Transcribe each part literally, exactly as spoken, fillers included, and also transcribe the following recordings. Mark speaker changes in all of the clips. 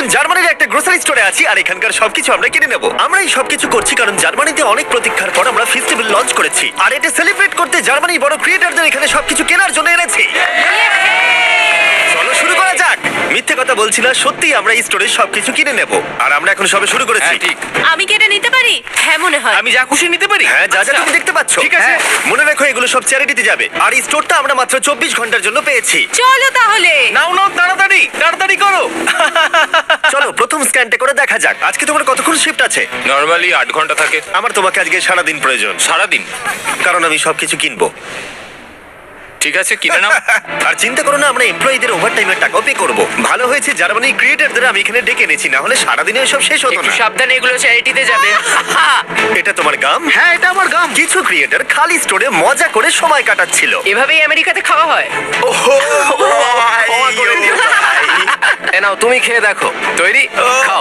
Speaker 1: এখন জার্মানির একটা গ্রোসারি স্টোরে আছি আর এখানকার সবকিছু আমরা কিনে নেব। আমরা এই সবকিছু করছি কারণ জার্মানিতে অনেক প্রতীক্ষার পর আমরা ফেস্টিভ্যাল লঞ্চ করেছি, আর এটা সেলিব্রেট করতে জার্মানির বড় ক্রিয়েটরদের এখানে সবকিছু কেনার জন্য এনেছি। চলো শুরু করা যাক। মিথ্যে কথা বলছি না, সত্যি আমরা এই স্টোরে সবকিছু কিনে নেব, আর আমরা এখন সবে শুরু করেছি।
Speaker 2: হ্যাঁ, ঠিক।
Speaker 3: আমি কি এটা নিতে পারি? হ্যাঁ মনে হয়।
Speaker 2: আমি যা খুশি নিতে পারি।
Speaker 1: হ্যাঁ, যা যা
Speaker 2: আচ্ছা।
Speaker 1: তুমি দেখতে পাচ্ছ।
Speaker 2: ঠিক আছে।
Speaker 1: হ্যাঁ, মনে রাখো এগুলো সব চ্যারিটিতে যাবে, আর এই স্টোরটা আমরা মাত্র চব্বিশ ঘন্টার জন্য পেয়েছি।
Speaker 3: চলো তাহলে।
Speaker 2: নাও নাও, তাড়াতাড়ি তাড়াতাড়ি করো।
Speaker 1: চলো প্রথম স্ক্যানটা করে দেখা যাক। আজকে তোমার কতক্ষণ শিফট আছে?
Speaker 2: নরমালি আট ঘন্টা থাকে।
Speaker 1: আমার তোমাকে আজকে সারাদিন প্রয়োজন,
Speaker 2: সারাদিন?
Speaker 1: কারণ আমি সবকিছু কিনবো।
Speaker 2: ঠিক আছে, কিনে নাও।
Speaker 1: আর চিন্তা করো না, আমরা এমপ্লয়ীদের ওভারটাইমের টাকাও পে করব। ভালো হয়েছে জার্মানি ক্রিয়েটরদের আমি এখানে ডেকে এনেছি, না হলে সারাদিনে সব শেষ হতো
Speaker 4: একটু
Speaker 1: না।
Speaker 4: সাবধানে, এগুলো চ্যারিটিতে যাবে।
Speaker 1: এটা তোমার গাম?
Speaker 5: হ্যাঁ, এটা আমার গাম।
Speaker 1: কিছু ক্রিয়েটর খালি স্টোরে মজা করে সময় কাটাচ্ছিল।
Speaker 4: এভাবেই আমেরিকাতে খাওয়া হয়।
Speaker 1: ক্ষমা করে দিও ভাই।
Speaker 4: এ নাও, তুমি খেয়ে দেখো। তৈরি? খাও।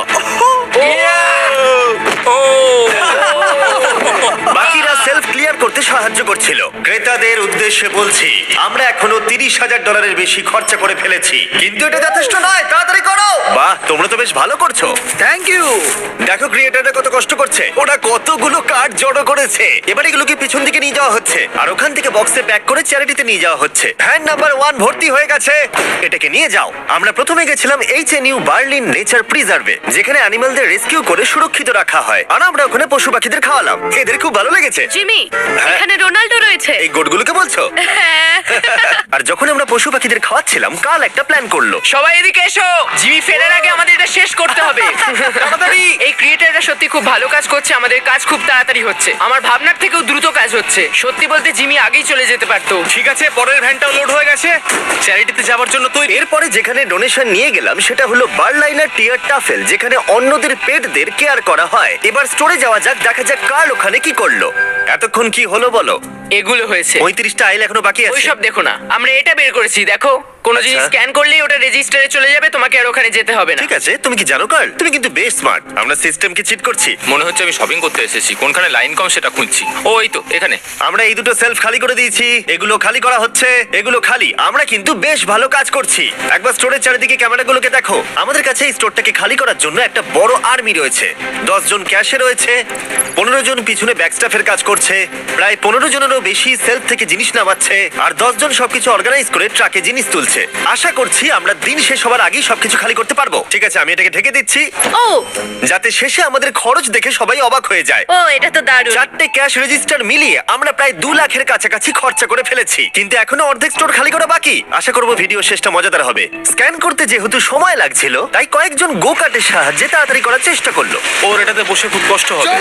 Speaker 2: ও
Speaker 1: বাকিরা সেলফ ক্লিয়ার করতে সাহায্য করছিল। ক্রেতাদের উদ্দেশ্যে বলছি, আমরা এখনো তিরিশ হাজার ডলারের বেশি খরচা করে ফেলেছি, কিন্তু এটা যথেষ্ট নয়। তাড়াতাড়ি করো। বাহ, তোমরা তো বেশ ভালো করছো।
Speaker 5: Thank you.
Speaker 1: দেখো ক্রিয়েটাররা কত কষ্ট করছে, ওরা কতগুলো কার্ড জড়ো করেছে। এবার এগুলোকে পিছন দিকে নিয়ে যাওয়া হচ্ছে, আর ওখান থেকে বক্সে প্যাক করে চ্যারিটিতে নিয়ে যাওয়া হচ্ছে। ভ্যান নাম্বার ওয়ান ভর্তি হয়ে গেছে, এটাকে নিয়ে যাও। আমরা প্রথমে গেছিলাম H N U Berlin nature প্রিজার্ভে, যেখানে অ্যানিমালদের রেস্কিউ করে সুরক্ষিত রাখা হয়, আর আমরা ওখানে পশু পাখিদের খাওয়ালাম। এদের খুব ভালো লেগেছে।
Speaker 3: জিমি,
Speaker 1: হ্যাঁ।
Speaker 3: এখানে রোনাল্ডো রয়েছে।
Speaker 1: এই গোটগুলোকে বলছো?
Speaker 3: হ্যাঁ।
Speaker 1: আর যখন আমরা পশু পাখিদের খাওয়াচ্ছিলাম, কাল একটা প্ল্যান করলো।
Speaker 4: সবাই এদিকে এসো। জিমি ফেরার আগে আমাদের এটা শেষ করতে হবে। তাড়াতাড়ি। এই ক্রিয়েটাররা সত্যি খুব ভালো কাজ করছে, আমাদের কাজ খুব তাড়াতাড়ি হচ্ছে। আমার ভাবনার থেকেও দ্রুত কাজ হচ্ছে। সত্যি বলতে জিমি আগেই চলে যেতে পারতো।
Speaker 2: ঠিক আছে, পরের ভ্যানটাও লোড হয়ে গেছে। চ্যারিটিতে যাওয়ার জন্য তৈরি।
Speaker 1: এরপরে যেখানে ডোনেশন নিয়ে গেলাম সেটা হলো বার্লাইনার টিয়ার টাফেল, যেখানে অন্যদের পেটদের কেয়ার করা হয়। এবার স্টোরে যাওয়া যাক, দেখা যাক কার্ল ওখানে কি করলো। এতক্ষণ কি হলো বলো?
Speaker 4: এগুলো হয়েছে।
Speaker 1: পঁয়ত্রিশটা আইল এখনো বাকি আছে।
Speaker 4: ওইসব দেখো না, আমরা এটা বের করেছি। দেখো, কোনো জিনিস
Speaker 1: আচ্ছা।
Speaker 4: স্ক্যান করলেই ওটা রেজিস্টারে চলে যাবে, তোমাকে আর ওখানে যেতে হবে না।
Speaker 1: ঠিক আছে, তুমি কি জানো কার্ল, তুমি কিন্তু বেশ স্মার্ট। আমরা সিস্টেমকে চিট করছি।
Speaker 2: মনে হচ্ছে আমি শপিং করতে এসেছি, কোনখানে লাইন কম সেটা খুঁজছি। ও এই তো এখানে।
Speaker 1: আমরা এই দুটো সেলফ খালি করে দিয়েছি, এগুলো খালি করা হচ্ছে, এগুলো খালি। আমরা কিন্তু বেশ ভালো কাজ করছি। একবার স্টোরের চারিদিকে ক্যামেরাগুলোকে দেখো। আমাদের কাছে এই স্টোরটাকে খালি করার জন্য একটা বড় আর্মি রয়েছে। দশ জন ক্যাশে রয়েছে, পনেরো জন পিছনে ব্যাকস্টাফের কাজ করছে, প্রায় পনেরো জনেরও বেশি সেলফ থেকে জিনিস নামাচ্ছে, আর দশ জন সবকিছু অর্গানাইজ করে ট্রাকে জিনিস তুলছে। আশা করছি আমরা দিন শেষ হবার আগেই সবকিছু খালি করতে পারবো। ঠিক আছে, আমি এটাকে ঢেকে দিচ্ছি,
Speaker 3: ও
Speaker 1: যাতে শেষে আমাদের খরচ দেখে সবাই অবাক হয়ে যায়।
Speaker 3: ও এটা তো দারুণ।
Speaker 1: চারটে ক্যাশ রেজিস্টার মিলিয়ে আমরা প্রায় দু লাখের কাছাকাছি খরচা করে ফেলেছি, কিন্তু এখনো অর্ধেক স্টোর খালি করা বাকি। আশা করবো ভিডিও শেষটা মজাদার হবে। স্ক্যান করতে যেহেতু সময় লাগছিল, তাই কয়েকজন গো কার্টের সাহায্যে তাড়াতাড়ি করার চেষ্টা করলো।
Speaker 2: ওর এটাতে বসে খুব কষ্ট হবে।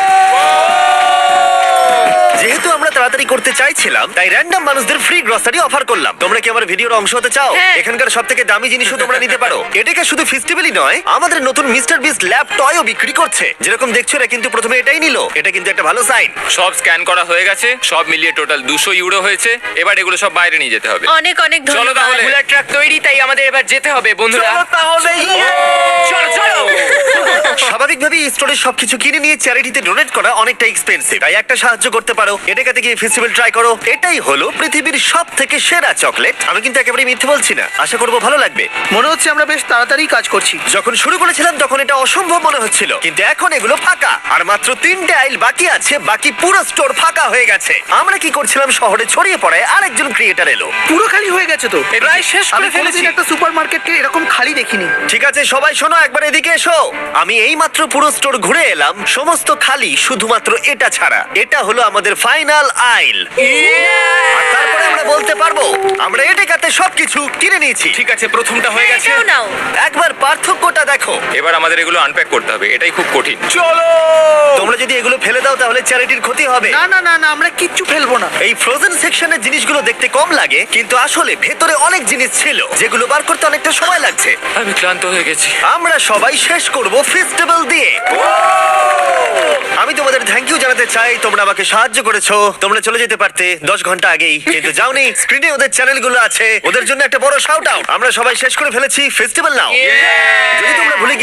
Speaker 1: যেহেতু আমরা তাড়াতাড়ি করতে চাইছিলাম, তাই র্যান্ডম মানুষদের ফ্রি গ্রসারি অফার করলাম। তোমরা কি আমার ভিডিওর অংশ হতে চাও?
Speaker 3: হ্যাঁ।
Speaker 1: এখানকার সব থেকে দামি জিনিসও তোমরা নিতে পারো। এটাকে শুধু ফেস্টিভ্যালই নয়, আমাদের নতুন মিস্টার বিস্ট ল্যাব টয়ও বিক্রি করছে। যেরকম দেখছো, এরা কিন্তু প্রথমে এটাই নিল। এটা কিন্তু একটা ভালো সাইন।
Speaker 2: সব স্ক্যান করা হয়ে গেছে, সব মিলিয়ে টোটাল দুশো ইউরো হয়েছে। এবার এগুলো সব বাইরে নিয়ে যেতে হবে।
Speaker 3: অনেক অনেক
Speaker 2: চলো
Speaker 3: ধন্যবাদ।
Speaker 2: তাহলে।
Speaker 4: বুলার ট্রাক তৈরি, তাই আমাদের এবার যেতে হবে বন্ধুরা।
Speaker 1: তাহলে
Speaker 4: চলো চলো।
Speaker 1: স্বাভাবিকভাবেই স্টোরে সবকিছু কিনে নিয়ে চ্যারিটিতে ডোনেট করা অনেকটা এক্সপেন্সিভ, তাই একটা সাহায্য করতে পারো। এটাকে গিয়ে ফেস্টিভ্যাল ট্রাই করো। এটাই হলো পৃথিবীর সব থেকে সেরা চকলেট। আমি কিন্তু একেবারে মিথ্যে বলছি না, আশা করবো ভালো লাগবে।
Speaker 5: মনে হচ্ছে আমরা বেশ তাড়াতাড়ি কাজ করছি।
Speaker 1: যখন শুরু করেছিলাম তখন এটা অসম্ভব মনে হচ্ছিল, কিন্তু এখন এগুলো ফাঁকা, আর মাত্র তিনটে আইল বাকি আছে। বাকি পুরো স্টোর ফাঁকা হয়ে গেছে। আমরা কি করছিলাম, শহরে ছড়িয়ে পড়ায় আরেকজন ক্রিয়েটার এলো।
Speaker 5: পুরো খালি হয়ে গেছে তো।
Speaker 2: প্রায় শেষ
Speaker 5: আমি
Speaker 2: করে ফেলেছি।
Speaker 5: কোনোদিন একটা সুপার মার্কেটকে এরকম খালি দেখিনি।
Speaker 1: ঠিক আছে সবাই শোনো, একবার এদিকে এসো। আমি এই মাত্র পুরো স্টোর ঘুরে এলাম, সমস্ত খালি, শুধুমাত্র এটা ছাড়া। এটা হলো আমাদের ফাইনাল আইল। আর তারপরে আমরা বলতে পারবো আমরা এটাতে সবকিছু কিনে নিয়েছি।
Speaker 2: ঠিক আছে, প্রথমটা হয়ে গেছে।
Speaker 3: এটাও নাও।
Speaker 1: একবার পার্থক্যটা দেখো।
Speaker 2: এবার আমাদের এগুলো আনপ্যাক করতে হবে, এটাই খুব কঠিন। চলো।
Speaker 1: তোমরা যদি এগুলো ফেলে দাও তাহলে চ্যারিটির ক্ষতি হবে।
Speaker 5: না না না না, আমরা কিচ্ছু ফেলবো না।
Speaker 1: এই ফ্রোজেন সেকশনের জিনিসগুলো দেখতে কম লাগে, কিন্তু আসলে ভেতরে অনেক জিনিস ছিল যেগুলো বার করতে অনেকটা সময় লাগছে।
Speaker 2: আমি ক্লান্ত হয়ে গেছি।
Speaker 1: আমরা সবাই শেষ করব ফেস্টিভ্যাল দিয়ে। আমি তোমাদের থ্যাংক ইউ জানাতে চাই, তোমরা আমাকে সাহায্য করেছো। তোমরা চলে যেতে পারতে দশ ঘন্টা আগেই, কিন্তু যাওনি। স্ক্রিনে ওদের চ্যানেলগুলো আছে, ওদের জন্য একটা বড় শাউট আউট। আমরা সবাই শেষ করে ফেলেছি, ফেস্টিভ্যাল নাও। যদি তোমরা ভুলে গিয়ে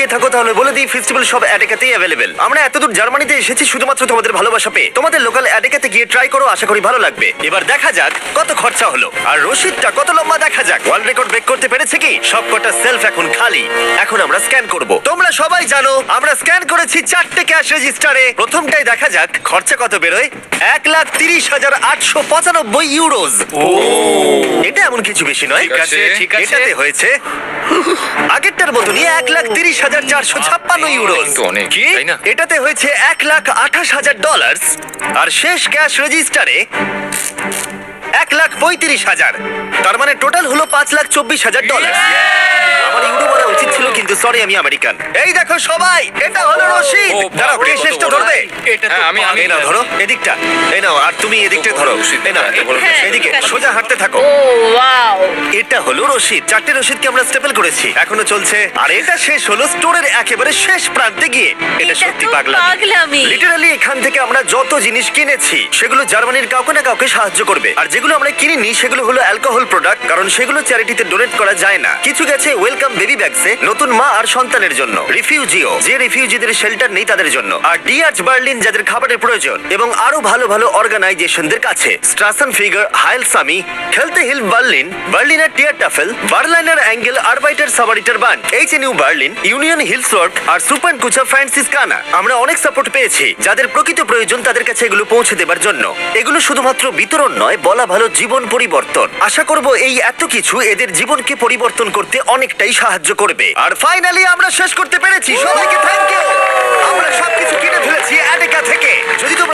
Speaker 1: তাকিয়ে থাকো তাহলে বলে দিই ফেস্টিভ্যাল সব অ্যাডেকাতেই অ্যাভেলেবেল। আমরা এতদূর জার্মানিতে এসেছি শুধুমাত্র তোমাদের ভালোবাসা পেয়ে। তোমাদের লোকাল অ্যাডেকাতে গিয়ে ট্রাই করো, আশা করি ভালো লাগবে। এবার দেখা যাক কত খরচা হলো আর রসিদটা কত লম্বা দেখা যাক। ওয়ার্ল্ড রেকর্ড ব্রেক করতে পেরেছে কি? সবকটা সেলফ এখন খালি। এখন আমরা স্ক্যান করব। তোমরা সবাই জানো আমরা স্ক্যান করেছি চারটে ক্যাশ রেজিস্টারে। প্রথমটাই দেখা যাক খরচা কত বেরোয়। এক লাখ তিরিশ হাজার আটশো পঁচানব্বই ইউরোজ। এটা এমন কিছু বেশি নয়।
Speaker 2: ঠিক আছে, ঠিক আছে।
Speaker 1: এটাতে হয়েছে আগেরটার মতনই এক লাখ তিরিশ হাজার চারশো ছাপ্পান্ন ইউরোজ।
Speaker 2: তো অনেক,
Speaker 1: কি?
Speaker 2: তাই না?
Speaker 1: এটাতে হয়েছে এক লাখ আঠাশ হাজার ডলার। আর শেষ ক্যাশ রেজিস্টারে এক লাখ পঁয়ত্রিশ হাজার। তার মানে টোটাল হলো পাঁচ লাখ চব্বিশ হাজার ডলার। আমার ইউরো বলা উচিত ছিল, কিন্তু সরি আমি আমেরিকান। এই দেখো সবাই, এটা হলো রশিদ।
Speaker 2: ও,
Speaker 1: দাঁড়াও,
Speaker 2: বাপরে,
Speaker 1: কে
Speaker 2: কত
Speaker 1: শেষটা
Speaker 2: বড়।
Speaker 1: ধরবে?
Speaker 2: এটা তো হ্যাঁ, আমি- আমি-
Speaker 1: এই নাও ধরো এদিকটা, এই নাও, আর তুমি এদিকটা
Speaker 2: ও,
Speaker 1: ধরো।
Speaker 2: রশিদ,
Speaker 1: এই নাও,
Speaker 2: এত বড়
Speaker 3: হ্যাঁ,
Speaker 1: এদিকে
Speaker 3: ঠিক আছে।
Speaker 1: সোজা হাঁটতে থাকো।
Speaker 3: Oh wow.
Speaker 1: এটা হলো রশিদ। চারটে রশিদকে আমরা স্টেপল করেছি, এখনো চলছে। আর এটা শেষ হলো স্টোরের একেবারে শেষ প্রান্তে গিয়ে। এটা
Speaker 3: এটা
Speaker 1: সত্যি
Speaker 3: তো
Speaker 1: পাগলামি।
Speaker 3: পাগলামি।
Speaker 1: লিটারালি এখান থেকে আমরা যত জিনিস কিনেছি সেগুলো জার্মানির কাউকে না কাউকে সাহায্য করবে। আর যেগুলো আমরা কিনিনি সেগুলো হলো অ্যালকোহল প্রোডাক্ট, কারণ সেগুলো চ্যারিটিতে ডোনেট করা যায় না। কিছু গেছে ওয়েলকাম বেবি ব্যাগসে, নতুন মা আর সন্তানের জন্য। রিফিউজিও, যে রিফিউজিদের শেল্টার নেই তাদের জন্য। আর ডিআরচ বার্লিন, যাদের খাবারের প্রয়োজন। এবং আরো ভালো ভালো অর্গানাইজেশনদের কাছে স্ট্রাসন ফিগার, হাইল সামি, খেলতে হিল বার্লিন, বার্লিনার টিয়ার টাফেল, বার্লাইনার অ্যাঙ্গেল, আরবাইটার সাবারিটার বান, H N U Berlin, union হিলসওয়ার্ক আর সুপার কুচা ফ্রান্সিসকানা। আমরা অনেক সাপোর্ট পেয়েছি। যাদের প্রকৃত প্রয়োজন তাদের কাছে এগুলো পৌঁছে দেবার জন্য। এগুলো শুধুমাত্র বিতরণ নয়, বলা ভালো জীবন পরিবর্তন। আশা করব এই এত কিছু এদের জীবনকে পরিবর্তন করতে অনেকটাই সাহায্য করবে। আর ফাইনালি আমরা শেষ করতে পেরেছি। সবাইকে থ্যাংক ইউ। আমরা সবকিছু কিনে ফেলেছি অ্যাডেকা থেকে। যদি তোমরা